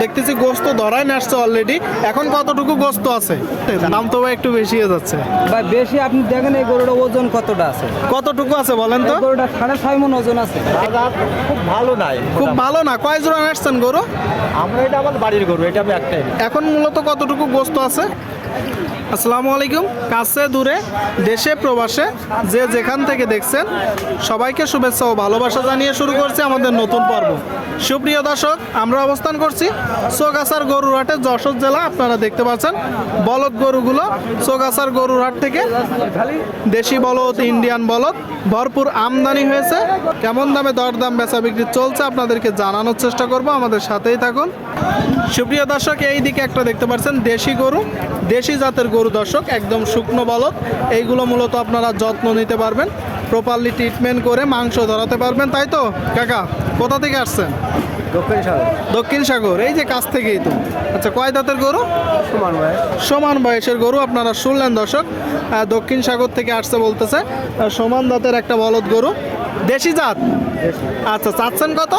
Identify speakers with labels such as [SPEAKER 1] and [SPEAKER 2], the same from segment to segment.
[SPEAKER 1] দেখতেছি গোস্ত ধরাই নাচছে অলরেডি। এখন কতটুকু গোস্ত আছে? দাম তো ভাই একটু বেশি হয়ে যাচ্ছে
[SPEAKER 2] ভাই। বেশি আপনি দেখেন এই গরুটা ওজন কতটা আছে?
[SPEAKER 1] কতটুকু আছে বলেন তো?
[SPEAKER 2] গরুটা 6.5 মণ ওজন আছে।
[SPEAKER 3] খুব ভালো নাই,
[SPEAKER 1] খুব ভালো না। কয় জোড়া নাচছেন গরু?
[SPEAKER 3] আমরা এটা আমার বাড়ির গরু, এটা আমি একটাই।
[SPEAKER 1] এখন মূলত কতটুকু গোস্ত আছে? আসসালামু আলাইকুম। কাছে দূরে দেশে প্রবাসে যে যেখান থেকে দেখছেন সবাইকে শুভেচ্ছা ও ভালোবাসা জানিয়ে শুরু করছি আমাদের নতুন পর্ব। সুপ্রিয় দর্শক, আমরা অবস্থান করছি চৌগাছার গরুরহাটে, যশোর জেলা। আপনারা দেখতে পাচ্ছেন বলদ গরুগুলো চৌগাছার গরুরহাট থেকে দেশি বলদ, ইন্ডিয়ান বলদ ভরপুর আমদানি হয়েছে। কেমন দামে দরদাম বেচা বিক্রি চলছে আপনাদেরকে জানানোর চেষ্টা করব, আমাদের সাথেই থাকুন। সুপ্রিয় দর্শক, এই দিকে একটা দেখতে পাচ্ছেন দেশি গরু, দেশি জাতের গরু দর্শক, একদম শুকনো বলদ। এইগুলো মূলত আপনারা যত্ন নিতে পারবেন, প্রপারলি ট্রিটমেন্ট করে মাংস ধরাতে পারবেন, তাই তো কাকা? কোথা থেকে আসছেন? দক্ষিণ সাগর। এই যে কাছ থেকেই তো। আচ্ছা, কয় দাঁতের গরু? সমান বয়সের গরু। আপনারা শুনলেন দর্শক, দক্ষিণ সাগর থেকে আসছে বলতেছে। সমান দাঁতের একটা বলদ গরু, দেশি জাত। আচ্ছা, চাচ্ছেন কত?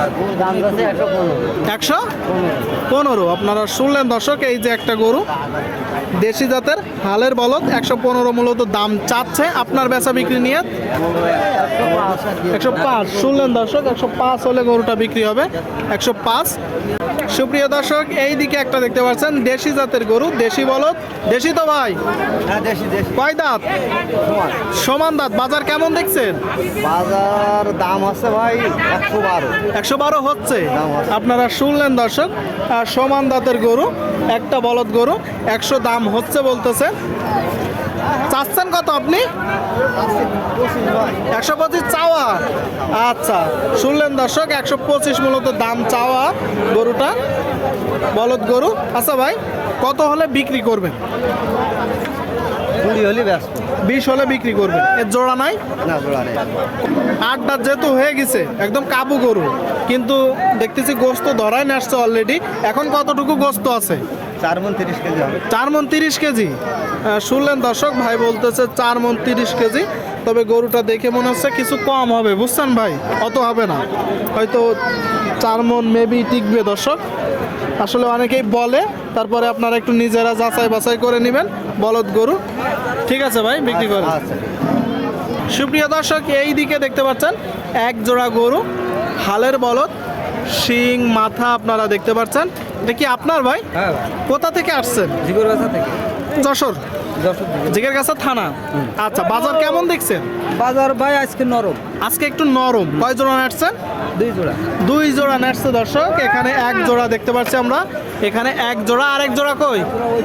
[SPEAKER 1] 115। আপনারা শুনলেন দর্শক, এই যে একটা গরু দেশি জাতের হালের বলদ, 115 মূলত দাম চাচ্ছে। আপনার বেচা বিক্রি নিয়ে 105। শুনলেন দর্শক, 105 হলে গরুটা বিক্রি হবে। 105। সুপ্রিয় দর্শক, এই দিকে একটা দেখতে পাচ্ছেন দেশি জাতের গরু, দেশি বলদ। দেশি তো ভাই?
[SPEAKER 3] হ্যাঁ, দেশি দেশি।
[SPEAKER 1] কয় দাঁত? সমান দাঁত। বাজার কেমন দেখছেন?
[SPEAKER 3] বাজার দাম আছে ভাই
[SPEAKER 1] 112 হচ্ছে। আপনারা শুনলেন দর্শক, সমান দাঁতের গরু, একটা বলদ গরু, 100 দাম হচ্ছে বলতেছে। চাচ্ছেন কত আপনি? 125 চাওয়া। আচ্ছা, শুনলেন দর্শক, 125 মূলত দাম চাওয়া গরুটা, বলদ গরু। আচ্ছা ভাই, কত হলে বিক্রি করবেন?
[SPEAKER 3] 20 হলে ব্যস্ত।
[SPEAKER 1] 20 হলে বিক্রি করবেন। এর জোড়া নাই?
[SPEAKER 3] না, জোড়া নেই।
[SPEAKER 1] 8 দাঁত যেহেতু হয়ে গেছে, একদম কাবু গরু, কিন্তু দেখতেছি গোস্ত ধরাই নাচছে অলরেডি। এখন কতটুকু গোস্ত আছে?
[SPEAKER 3] 4 মণ 30 কেজি হবে।
[SPEAKER 1] 4 মণ 30 কেজি। শুনলেন দর্শক, ভাই বলতেছে 4 মণ 30 কেজি। তবে গরুটা দেখে মনে হচ্ছে কিছু কম হবে, বুঝছেন ভাই? অত হবে না, হয়তো 4 মণ মেবি টিকবে দর্শক। আসলে অনেকেই বলে, তারপরে আপনারা একটু নিজেরা যাচাই বাছাই করে নেবেন। বলদ গরু, ঠিক আছে ভাই, বিক্রি করেন।
[SPEAKER 3] আচ্ছা।
[SPEAKER 1] সুপ্রিয় দর্শক, এই দিকে দেখতে পাচ্ছেন এক জোড়া গরু, হালের বলদ, শিং মাথা আপনারা দেখতে পাচ্ছেন। এটা কি আপনার ভাই?
[SPEAKER 2] হ্যাঁ।
[SPEAKER 1] কোথা থেকে আসছেন?
[SPEAKER 2] জিগরগাছা থেকে।
[SPEAKER 1] যশোর জিগেরগাছা থানা। আচ্ছা, বাজার কেমন দেখছেন?
[SPEAKER 2] বাজার ভাই আজকে নরম।
[SPEAKER 1] আজকে একটু নরম। কয় জোড়া নাটছেন?
[SPEAKER 2] 2 জোড়া।
[SPEAKER 1] 2 জোড়া নাটছে দর্শক। এখানে এক জোড়া দেখতে পাচ্ছি আমরা, এখানে এক জোড়া। আরেক জোড়া কই?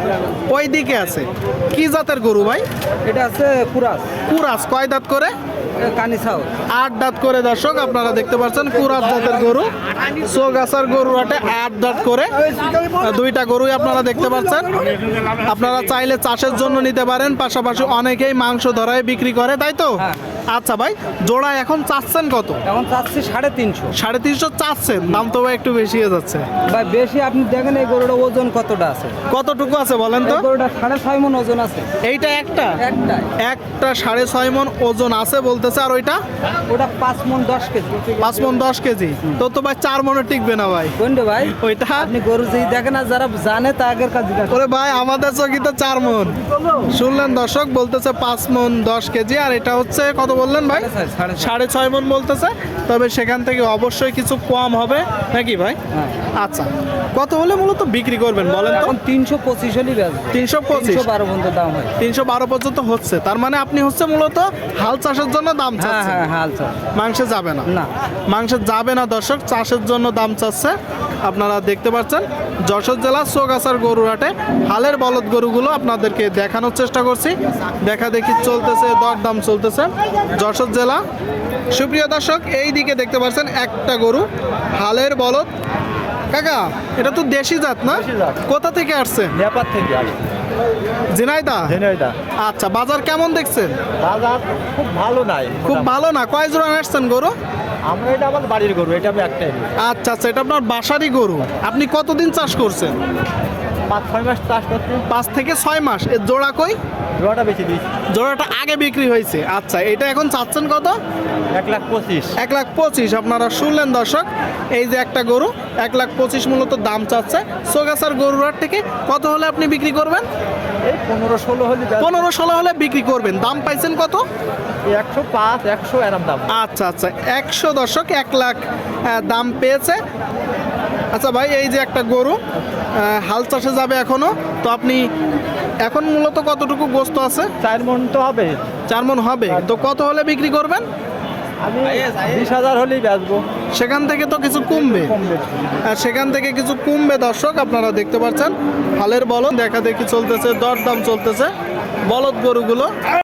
[SPEAKER 1] ওই দিকে আছে। কি জাতের গরু ভাই?
[SPEAKER 2] এটা আছে কুরাস।
[SPEAKER 1] কুরাস। কয় দাঁত করে?
[SPEAKER 2] কানি ছাও।
[SPEAKER 1] 8 দাঁত করে দর্শক, আপনারা দেখতে পাচ্ছেন কুরাস জাতের গরু। চৌগাছার গরুরহাটে 8 দাঁত করে দুইটা গরুই আপনারা দেখতে পাচ্ছেন। আপনারা চাইলে চাষের জন্য নিতে পারেন, পাশাপাশি অনেকেই মাংস ধরায় বিক্রি করে, তাই তো?
[SPEAKER 2] হ্যাঁ।
[SPEAKER 1] আচ্ছা ভাই, জোড়া এখন চাচ্ছেন কত?
[SPEAKER 2] এখন চাচ্ছি 350।
[SPEAKER 1] 350 চাচ্ছেন। দাম তো ভাই একটু বেশি হয়ে যাচ্ছে
[SPEAKER 2] ভাই। বেশি আপনি দেখেন এই গরুটা ওজন কতটা আছে?
[SPEAKER 1] কতটুকু আছে বলেন তো?
[SPEAKER 2] এই গরুটা 6.5 মণ ওজন আছে।
[SPEAKER 1] এইটা একটা
[SPEAKER 2] একটাই।
[SPEAKER 1] একটা 6.5 মণ ওজন আছে বলতেছে। আর ওইটা?
[SPEAKER 2] ওটা 5 মণ 10 কেজি।
[SPEAKER 1] 5 মণ 10 কেজি। তো ভাই 4 মণে টিকবে না ভাই।
[SPEAKER 2] কোনটা ভাই?
[SPEAKER 1] ওইটা।
[SPEAKER 2] আপনি গরু যেই দেখেন না, যারা জানে তা আগের কাজ জিজ্ঞাসা।
[SPEAKER 1] ওরে ভাই, আমাদের চকিতে 4 মণ। শুনলেন দর্শক, বলতেছে 5 মণ 10 কেজি। আর এটা হচ্ছে কত বললেন ভাই? 6.5 মণ বলতেছে। তবে সেখান থেকে অবশ্যই কিছু কম হবে নাকি ভাই?
[SPEAKER 2] হ্যাঁ।
[SPEAKER 1] আচ্ছা, কত হলে মূলত বিক্রি করবেন বলেন তো?
[SPEAKER 2] এখন 325 হলেই বেচবো।
[SPEAKER 1] 325।
[SPEAKER 2] 312 পর্যন্ত দাম হয়।
[SPEAKER 1] 312 পর্যন্ত হচ্ছে। তার মানে আপনি হচ্ছে মূলত হাল চাষের জন্য দাম
[SPEAKER 2] হ্যাঁ
[SPEAKER 1] চাচ্ছেন।
[SPEAKER 2] হ্যাঁ, হাল চাল।
[SPEAKER 1] মাংসে যাবে না?
[SPEAKER 2] না।
[SPEAKER 1] মাংসে যাবে না দর্শক, চাষের জন্য দাম চাচ্ছে। আপনারা দেখতে পাচ্ছেন যশোর জেলা চৌগাছার গরুরহাটে হালের বলদ গরুগুলো আপনাদেরকে দেখানোর চেষ্টা করছি। দেখা দেখি চলতেছে, দরদাম চলতেছে যশোর জেলা। সুপ্রিয় দর্শক, এই দিকে দেখতে পাচ্ছেন একটা গরু, হালের বলদ। কাকা, এটা তো দেশি জাত না?
[SPEAKER 3] দেশি জাত।
[SPEAKER 1] কোথা থেকে আসছেন?
[SPEAKER 3] নেপাল থেকে আসছে।
[SPEAKER 1] ঝিনাইদহ।
[SPEAKER 3] ঝিনাইদহ।
[SPEAKER 1] আচ্ছা, বাজার কেমন দেখছেন?
[SPEAKER 3] বাজার খুব ভালো নাই।
[SPEAKER 1] খুব ভালো না। কয় জোড়া আসছেন গরু?
[SPEAKER 3] আমরা এটা আমার বাড়ির গরু, এটা আমি একটাই।
[SPEAKER 1] আচ্ছা আচ্ছা, এটা আপনার বাসারই গরু। আপনি কতদিন চাষ করছেন?
[SPEAKER 3] 5-6 মাস চাষ করছি।
[SPEAKER 1] 5 থেকে 6 মাস। এর জোড়া কই?
[SPEAKER 3] জোড়াটা বেশি দিয়েছি
[SPEAKER 1] জোড়াটা আগে বিক্রি হয়েছে। আচ্ছা, এটা এখন চাচ্ছেন কত?
[SPEAKER 3] 1,25,000।
[SPEAKER 1] 1,25,000। আপনারা শুনলেন দর্শক, এই যে একটা গরু 1,25,000 মূলত দাম চাচ্ছে। সোগাছার গরুর থেকে কত হলে আপনি বিক্রি করবেন?
[SPEAKER 3] এই 15-16 হলে
[SPEAKER 1] 15-16 হলে বিক্রি করবেন। দাম পাইছেন কত?
[SPEAKER 3] 105-100 এরম দাম।
[SPEAKER 1] আচ্ছা আচ্ছা, 100 দর্শক, 1 লাখ দাম পেয়েছে। আচ্ছা ভাই, এই যে একটা গরু হাল চাষে যাবে এখনো, তো আপনি এখন মূলত কতটুকু গোস্ত আছে?
[SPEAKER 3] 4 মণ তো হবে।
[SPEAKER 1] 4 মণ হবে, তো কত হলে বিক্রি করবেন?
[SPEAKER 3] আমি 20,000 হলেই বেচবো।
[SPEAKER 1] সেখান থেকে তো কিছু কমবে,
[SPEAKER 3] কমবে।
[SPEAKER 1] সেখান থেকে কিছু কমবে দর্শক। আপনারা দেখতে পাচ্ছেন হালের বলদ দেখা দেখি চলতেছে, দরদাম চলতেছে বলদ গরুগুলো।